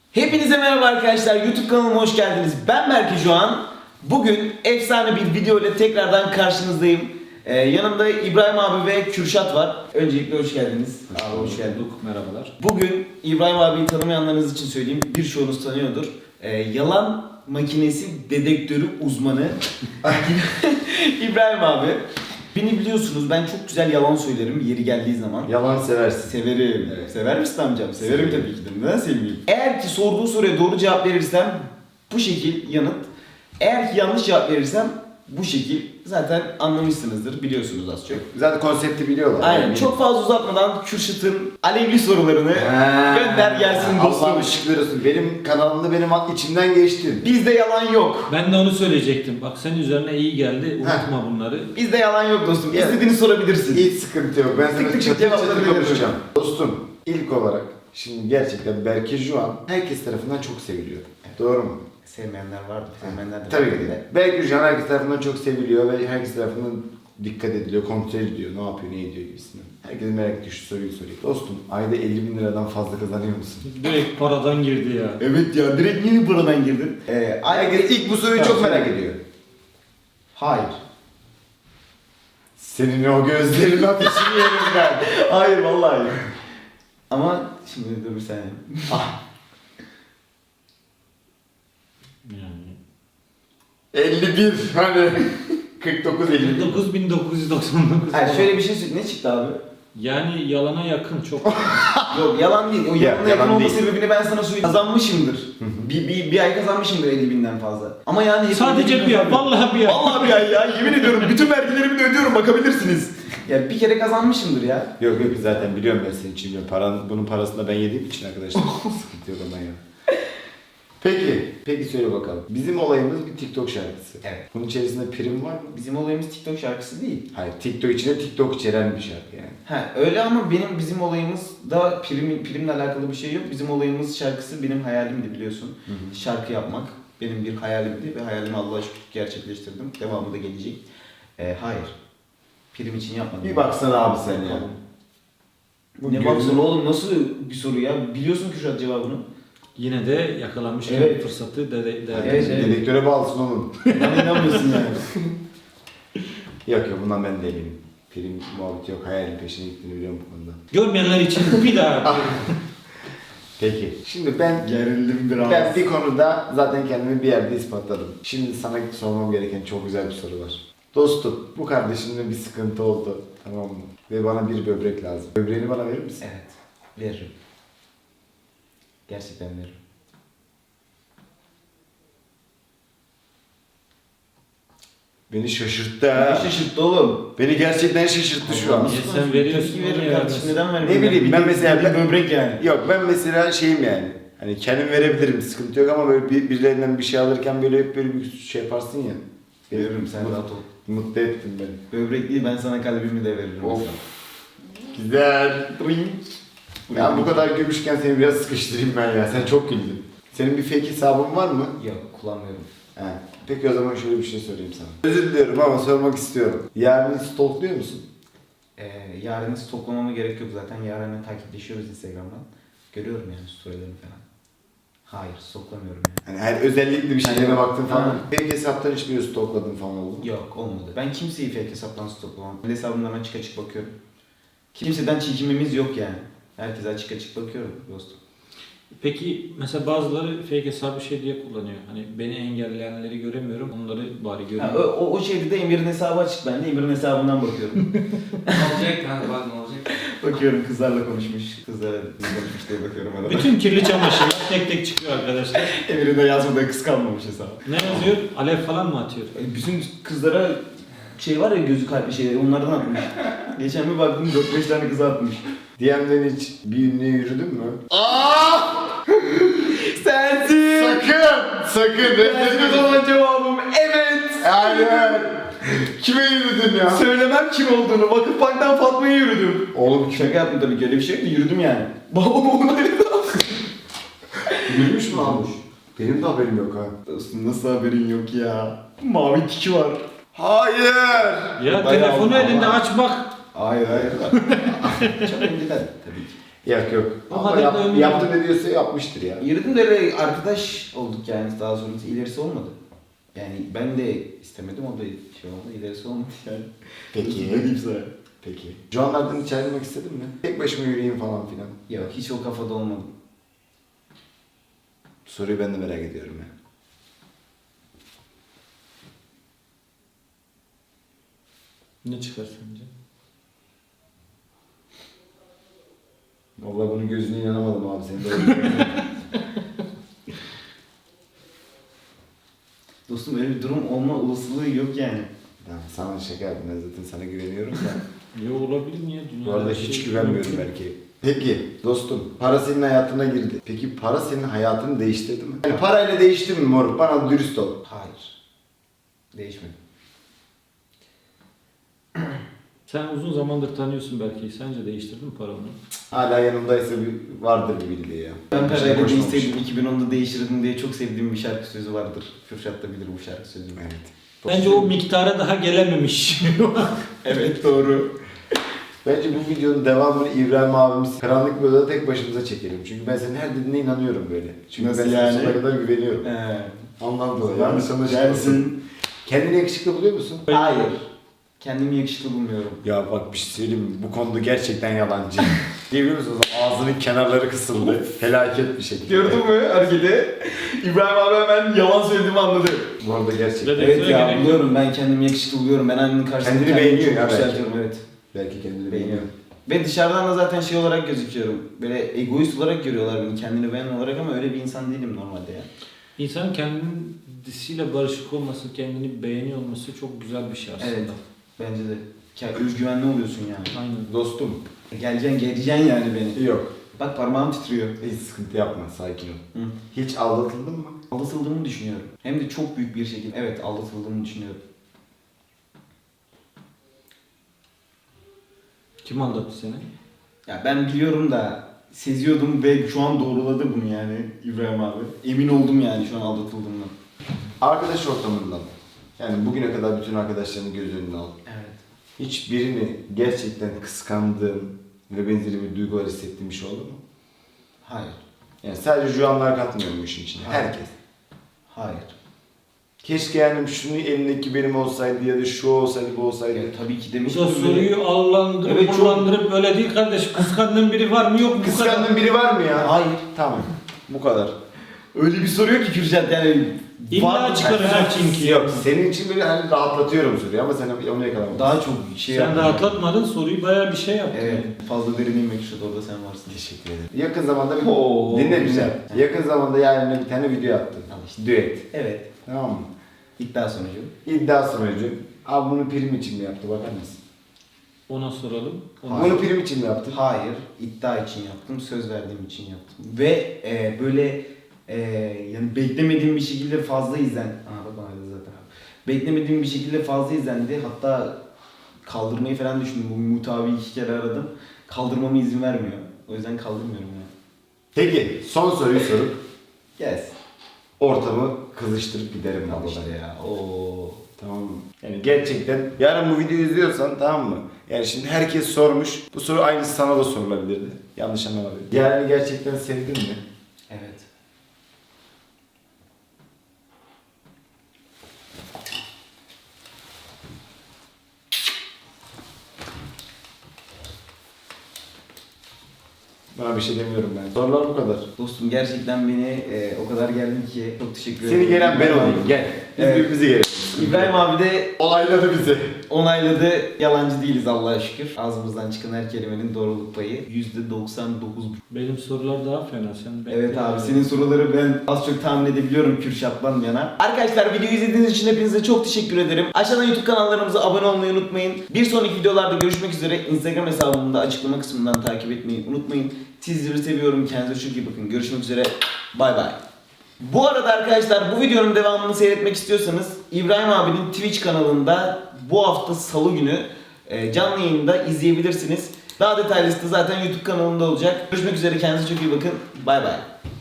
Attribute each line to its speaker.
Speaker 1: Hepinize merhaba arkadaşlar, YouTube kanalıma hoş geldiniz. Ben Berke Juan. Bugün efsane bir video ile tekrardan karşınızdayım. Yanımda İbrahim abi ve Kürşat var. Öncelikle hoş geldiniz. Abi hoş geldin.
Speaker 2: Merhabalar.
Speaker 1: Bugün İbrahim abiyi tanımayanlarınız için söyleyeyim. Birçoğunuz tanıyordur. Yalan makinesi dedektörü uzmanı İbrahim abi. Beni biliyorsunuz, ben çok güzel yalan söylerim yeri geldiği zaman.
Speaker 3: Yalan seversin.
Speaker 1: Severim.
Speaker 3: Evet.
Speaker 1: Sever misin amcam? Severim tabii ki de. Neden sevmeyeyim? Eğer ki sorduğu soruya doğru cevap verirsem bu şekil yanıt. Eğer ki yanlış cevap verirsem bu şekil. Zaten anlamışsınızdır, biliyorsunuz az çok.
Speaker 3: Zaten konsepti biliyorlar.
Speaker 1: Aynen.
Speaker 3: Yani.
Speaker 1: Çok fazla uzatmadan Kürşat'ın alevli sorularını gönder gelsin dostum.
Speaker 3: Allah'ım ışıklar olsun. Benim kanalımda benim içimden geçtin.
Speaker 1: Bizde yalan yok.
Speaker 2: Ben de onu söyleyecektim. Bak senin üzerine iyi geldi. Unutma bunları.
Speaker 1: Bizde yalan yok dostum.
Speaker 3: Evet.
Speaker 1: İstediğini sorabilirsin.
Speaker 3: Hiç sıkıntı yok. Ben
Speaker 1: Tık
Speaker 3: sana
Speaker 1: tık tık
Speaker 3: çatır
Speaker 1: cevaplarını
Speaker 3: çatır
Speaker 1: veririm.
Speaker 3: konuşacağım. Dostum, ilk olarak şimdi gerçekten Berke Juan herkes tarafından çok seviliyor. Doğru mu?
Speaker 1: Sevmeyenler vardı. Sevmeyenler de
Speaker 3: Tabii
Speaker 1: vardı
Speaker 3: ki
Speaker 1: de.
Speaker 3: de. Berke Juan herkes tarafından çok seviliyor ve herkes tarafından dikkat ediliyor, kontrol ediliyor, ne yapıyor, ne ediyor gibisinden. Herkes merak ediyor, şu soruyu sorayım. Dostum, ayda 50.000 liradan fazla kazanıyor musun?
Speaker 2: Direkt paradan girdi ya.
Speaker 1: Evet ya, direkt yeni buradan girdin.
Speaker 3: Herkes ilk bu soruyu çok merak ediyor.
Speaker 1: Hayır.
Speaker 3: Senin o gözlerin ateşini yerim ben.
Speaker 1: Hayır vallahi hayır. Ama şimdi dur bir saniye.
Speaker 2: Yani.
Speaker 3: 51 hani 49 50.
Speaker 2: 9999.
Speaker 1: Hayır şöyle bir şey söyle. Ne çıktı abi?
Speaker 2: Yani yalana yakın çok.
Speaker 1: Yok yalan değil. O
Speaker 3: Ya,
Speaker 1: yalanın yakın
Speaker 3: yalan
Speaker 1: olma
Speaker 3: değil.
Speaker 1: sebebini ben sana söyleyeyim. Kazanmışımdır. Bir ay kazanmışımdır 50.000'den fazla. Ama yani hep
Speaker 2: Sadece
Speaker 1: 50.000
Speaker 2: bir ay.
Speaker 1: kazanmıyorum.
Speaker 2: Vallahi bir ay.
Speaker 1: Vallahi bir ay ya. Yemin ediyorum bütün vergilerimi de ödüyorum, bakabilirsiniz. Ya bir kere kazanmışımdır ya.
Speaker 3: Yok yok zaten biliyorum ben senin için biliyorum. Bunun parasını da ben yediğim için arkadaşlar. Sıkıntı yok ondan ya. Peki söyle bakalım. Bizim olayımız bir TikTok şarkısı.
Speaker 1: Evet.
Speaker 3: Bunun içerisinde prim var mı?
Speaker 1: Bizim olayımız TikTok şarkısı değil.
Speaker 3: Hayır, TikTok içinde TikTok içeren bir şarkı yani.
Speaker 1: Ha öyle ama bizim olayımız da primle alakalı bir şey yok. Bizim olayımız şarkısı benim hayalimdi biliyorsun. Şarkı yapmak benim bir hayalimdi ve hayalimi Allah'a şükür gerçekleştirdim. Devamı da gelecek. Hayır. Prim için yapmadım.
Speaker 3: Bir baksana abi sen ya. Bu
Speaker 1: Ne
Speaker 3: gözün-
Speaker 1: baksana oğlum, nasıl bir soru ya? Biliyorsun Kürşat cevabını.
Speaker 2: Yine de yakalanmışken
Speaker 1: Evet.
Speaker 2: fırsatı
Speaker 1: Evet, evet.
Speaker 3: Dedektöre bağlısın oğlum.
Speaker 1: Bana inanmıyorsun yani.
Speaker 3: Yok bundan ben de eminim. Prim muhabbeti yok. Hayalin peşine gittiğini biliyorum bu konuda.
Speaker 2: Görmeyenler için bir daha.
Speaker 3: Peki. Şimdi ben
Speaker 1: Gerildim biraz.
Speaker 3: Ben bir konuda zaten kendimi bir yerde ispatladım. Şimdi sana sormam gereken çok güzel bir soru var. Dostum, bu kardeşimle bir sıkıntı oldu. Tamam mı? Ve bana bir böbrek lazım. Böbreğini bana verir misin?
Speaker 1: Evet. Veririm. Gerçekten veririm.
Speaker 3: Beni şaşırttı
Speaker 1: Ne
Speaker 3: ha.
Speaker 1: şaşırttı oğlum?
Speaker 3: Beni gerçekten şaşırttı şu an.
Speaker 2: Allah'ım. Sen veriyorsun,
Speaker 1: Tabii ki veririm
Speaker 2: onu
Speaker 1: kardeşim.
Speaker 2: vermezsin.
Speaker 1: Neden vermeyeyim?
Speaker 3: Ne bileyim, ben mesela-
Speaker 1: bir böbrek yani.
Speaker 3: Yok ben mesela şeyim yani. Hani kendim verebilirim sıkıntı yok ama böyle birilerinden bir şey alırken böyle hep böyle bir şey yaparsın ya.
Speaker 1: Veririm, sen rahat ol.
Speaker 3: Mutlu ettin beni.
Speaker 1: Böbrek değil, ben sana kalbimi de veririm.
Speaker 3: Of.
Speaker 1: mesela.
Speaker 3: Güzel. Ya bu kadar gülmüşken seni biraz sıkıştırayım ben ya. Sen çok güldün. Senin bir fake hesabın var mı?
Speaker 1: Yok, kullanmıyorum.
Speaker 3: He. Peki o zaman şöyle bir şey sorayım sana. Özür diliyorum ama sormak istiyorum. Yarın stalkluyor musun?
Speaker 1: Yarını stoklamama gerek yok zaten. Yarını takipleşiyoruz Instagram'dan. Görüyorum yani storylerini falan. Hayır, stoklamıyorum yani.
Speaker 3: Hani her özellikle bir şeylerine baktın falan.
Speaker 1: Ha.
Speaker 3: Fake hesaptan hiç bir stalkladın falan oldu mu?
Speaker 1: Yok, olmadı. Ben kimseyi fake hesaptan stoklamam. Kendi hesabımdan açık açık bakıyorum. Kimseden çekinmemiz yok yani. Herkese açık açık bakıyorum dostum.
Speaker 2: Peki mesela bazıları fake hesabı şey diye kullanıyor. Hani beni engelleyenleri göremiyorum. Onları bari
Speaker 1: Ha,
Speaker 2: görüyorum.
Speaker 1: o şeyde de Emir'in hesabı açık, ben de Emir'in hesabından bakıyorum.
Speaker 4: Ne olacak kanka bak ne olacak?
Speaker 1: Bakıyorum kızlarla konuşmuş, kızlarla konuşmuş diye bakıyorum arada.
Speaker 2: Bütün kirli çamaşırlar tek tek çıkıyor arkadaşlar.
Speaker 1: Emir'in de yazmadığı kız kalmamış hesabı.
Speaker 2: Ne yazıyor? Alev falan mı atıyor?
Speaker 1: Bütün kızlara şey var ya, gözü kalpli şeyler, onlardan atmış. Geçen bir baktım 4-5 tane kıza atmış.
Speaker 3: DM'den hiç bir ünlüye yürüdün mü?
Speaker 1: Sensin!
Speaker 3: Sakın!
Speaker 1: Sensin o zaman cevabım evet!
Speaker 3: Hayır! Kime yürüdün ya?
Speaker 1: Söylemem kim olduğunu, Vakıfbank'tan Fatma'ya yürüdüm.
Speaker 3: Oğlum
Speaker 1: Şaka yaptım tabii ki, öyle bir şey yok da yürüdüm yani. Babam onu
Speaker 3: yürümüş mü almış? Benim de haberim yok ha.
Speaker 1: Dostum nasıl haberin yok ya? Mavi tiki var.
Speaker 3: Hayır!
Speaker 2: Ya
Speaker 1: Bayağı
Speaker 2: telefonu
Speaker 1: ama-
Speaker 2: elinde aç bak.
Speaker 1: Hayır. Çok önceden tabii ki.
Speaker 3: Yok.
Speaker 2: O
Speaker 3: Ama
Speaker 2: kadar da önemli
Speaker 3: yaptı ne diyorsa yapmıştır ya.
Speaker 1: Yürüdüm de öyle arkadaş olduk yani, daha sonrası ilerisi olmadı. Yani ben de istemedim, o da şey oldu, ilerisi olmadı yani.
Speaker 3: Peki.
Speaker 1: Ne diyeyim sana?
Speaker 3: Peki. Joanlardan hiç ayrılmak istedin mi? Tek başıma yürüyeyim falan filan.
Speaker 1: Yok, hiç o kafada olmadım.
Speaker 3: Soruyu ben de merak ediyorum ya.
Speaker 2: Ne çıkar sence?
Speaker 3: Vallahi bunun gözüne inanamadım abi senin de.
Speaker 1: Dostum öyle bir durum olma olasılığı yok yani.
Speaker 3: Tamam, sana şaka yaptım, ben zaten sana güveniyorum da.
Speaker 2: Ya olabilir mi ya?
Speaker 3: Bu
Speaker 2: Dünyada
Speaker 3: arada
Speaker 2: bir
Speaker 3: hiç
Speaker 2: şey
Speaker 3: güvenmiyorum
Speaker 2: yok.
Speaker 3: belki. Peki dostum, para senin hayatına girdi. Peki para senin hayatını değiştirdi mi? Yani parayla değişti mi moruk? Bana dürüst ol.
Speaker 1: Hayır. Değişmedi.
Speaker 2: Sen uzun zamandır tanıyorsun belki. Sence değiştirdin mi paranı?
Speaker 3: Hala yanımdaysa bir, vardır bir bildiği ya.
Speaker 1: Ben
Speaker 3: Bir şey
Speaker 1: parayla
Speaker 3: koşmamış.
Speaker 1: değişseydim 2010'da değiştirdim diye çok sevdiğim bir şarkı sözü vardır. Kürşat da bilir bu şarkı sözünü.
Speaker 3: Evet.
Speaker 2: Bence o miktara daha gelememiş.
Speaker 1: Evet, doğru.
Speaker 3: Bence bu videonun devamını İbrahim abimiz karanlık bir odada tek başımıza çekelim. Çünkü ben senin her dediğine inanıyorum böyle. Çünkü
Speaker 1: Nasıl
Speaker 3: ben sana
Speaker 1: yani?
Speaker 3: sonuna kadar güveniyorum. Ondan dolayı yanlış anlaşılmasın.
Speaker 1: Gelsin.
Speaker 3: Kendini yakışıklı buluyor musun?
Speaker 1: Hayır. Kendimi yakışıklı bulmuyorum.
Speaker 3: Ya bak bir şey söyleyeyim mi? Bu konuda gerçekten yalancı. Diyebiliyor musunuz? Ağzının kenarları kısıldı. Felaket bir şekilde.
Speaker 1: Gördün mü hareketi? İbrahim abi hemen yalan söylediğimi anladı.
Speaker 3: Bu arada gerçekten.
Speaker 2: Evet.
Speaker 1: Evet ya,
Speaker 2: gerek yok.
Speaker 1: buluyorum, ben kendimi yakışıklı buluyorum. Ben annenin karşısında
Speaker 3: Kendini
Speaker 1: kendimi
Speaker 3: beğeniyor
Speaker 1: çok
Speaker 3: ya belki.
Speaker 1: yükseltiyorum, evet.
Speaker 3: Belki kendini
Speaker 1: Beğeniyorum.
Speaker 3: beğeniyor.
Speaker 1: Ve dışarıdan da zaten şey olarak gözüküyorum. Böyle egoist olarak görüyorlar beni, kendini beğenen olarak, ama öyle bir insan değilim normalde ya.
Speaker 2: İnsanın kendisiyle barışık olması, kendini beğeniyor olması çok güzel bir şey aslında.
Speaker 1: Evet. Bence de. Özgüvenli oluyorsun yani.
Speaker 2: Aynen.
Speaker 3: Dostum.
Speaker 1: Geleceksin yani beni.
Speaker 3: Yok.
Speaker 1: Bak parmağım titriyor.
Speaker 3: Hiç sıkıntı yapma. Sakin ol.
Speaker 1: Hı.
Speaker 3: Hiç aldatıldın mı?
Speaker 1: Aldatıldığımı düşünüyorum. Hem de çok büyük bir şekilde. Evet, aldatıldığımı düşünüyorum.
Speaker 2: Kim aldattı seni?
Speaker 1: Ya ben biliyorum da seziyordum ve şu an doğruladı bunu yani İbrahim abi. Emin oldum yani şu an aldatıldığımdan.
Speaker 3: Arkadaş ortamından. Yani bugüne kadar bütün arkadaşlarını göz önüne al.
Speaker 1: Evet.
Speaker 3: Hiçbirini gerçekten kıskandığın ve benzeri bir duygular hissettiğin bir şey oldu mu?
Speaker 1: Hayır.
Speaker 3: Yani sadece Juanlar katmıyor bu işin içine.
Speaker 1: Hayır.
Speaker 3: Herkes.
Speaker 1: Hayır.
Speaker 3: Keşke yani şunu elindeki benim olsaydı ya da şu olsaydı bu olsaydı.
Speaker 1: Ya, tabii ki
Speaker 2: Bu
Speaker 1: demiştim.
Speaker 2: da soruyu allandırıp
Speaker 1: Evet, çok-
Speaker 2: kullandırıp öyle değil kardeş. Kıskandığın biri var mı yok mu? Bu kadar.
Speaker 3: Kıskandığın biri var mı ya?
Speaker 1: Hayır.
Speaker 3: Tamam. Bu kadar.
Speaker 1: Öyle bir soruyor ki Kürşat yani.
Speaker 2: İlla çıkaracak çünkü.
Speaker 3: Yok, senin için böyle hani rahatlatıyorum soruyu ama sen onu yakalamadın.
Speaker 1: Daha çok şey
Speaker 2: Sen
Speaker 1: yaptın.
Speaker 2: rahatlatmadın, soruyu bayağı bir şey yaptın.
Speaker 1: Evet.
Speaker 2: yani.
Speaker 1: Fazla derin inmek Kürşat, orada sen varsın.
Speaker 3: Teşekkür ederim. Yakın zamanda bir
Speaker 1: Oo,
Speaker 3: dinle
Speaker 1: güzel.
Speaker 3: güzel. Yakın zamanda yani bir tane video attın.
Speaker 1: Al işte.
Speaker 3: Düet.
Speaker 1: Evet.
Speaker 3: Tamam mı?
Speaker 1: İddia sonucu.
Speaker 3: İddia sonucu. Abi bunu prim için mi yaptı bakar mısın?
Speaker 2: Ona soralım. Ona
Speaker 3: Bunu prim için mi yaptın?
Speaker 1: Hayır. İddia için yaptım. Söz verdiğim için yaptım. Ve böyle yani beklemediğim bir şekilde fazla Aha bak bana dedi zaten. Beklemediğim bir şekilde fazla izlendi. Hatta kaldırmayı falan düşündüm. Bu Mutabi 2 kere aradım. Kaldırmama izin vermiyor. O yüzden kaldırmıyorum yani.
Speaker 3: Peki son soruyu sorup
Speaker 1: Yes.
Speaker 3: ortamı kızıştırıp giderim
Speaker 1: Al
Speaker 3: abi.
Speaker 1: işte ya. Oo.
Speaker 3: Tamam mı? Yani gerçekten yarın bu videoyu izliyorsan tamam mı? Yani şimdi herkes sormuş. Bu soru aynısı sana da sorulabilirdi. Yanlış anlamadım. Yani gerçekten sevdin mi?
Speaker 1: Evet.
Speaker 3: Bana bir şey demiyorum ben. Sorular bu kadar.
Speaker 1: Dostum gerçekten beni o kadar geldin ki çok teşekkür ederim.
Speaker 3: Seni gelen ben olayım. Gel. Biz
Speaker 1: Evet.
Speaker 3: birbirimizi gelelim.
Speaker 1: İbrahim abi de
Speaker 3: Olayladı bizi.
Speaker 1: onayladı. Yalancı değiliz Allah'a şükür. Ağzımızdan çıkan her kelimenin doğruluk payı %99.
Speaker 2: Benim sorular daha fena. Sen
Speaker 1: Evet abi, senin soruları ben az çok tahmin edebiliyorum Kürşat'tan yana. Arkadaşlar videoyu izlediğiniz için hepinize çok teşekkür ederim. Aşağıdan YouTube kanallarımıza abone olmayı unutmayın. Bir sonraki videolarda görüşmek üzere. Instagram hesabımı da açıklama kısmından takip etmeyi unutmayın. Sizleri seviyorum. Kendinize çok iyi bakın. Görüşmek üzere. Bay bay. Bu arada arkadaşlar bu videonun devamını seyretmek istiyorsanız İbrahim abinin Twitch kanalında bu hafta salı günü canlı yayında izleyebilirsiniz. Daha detaylısı da zaten YouTube kanalında olacak. Görüşmek üzere, kendinize çok iyi bakın. Bay bay.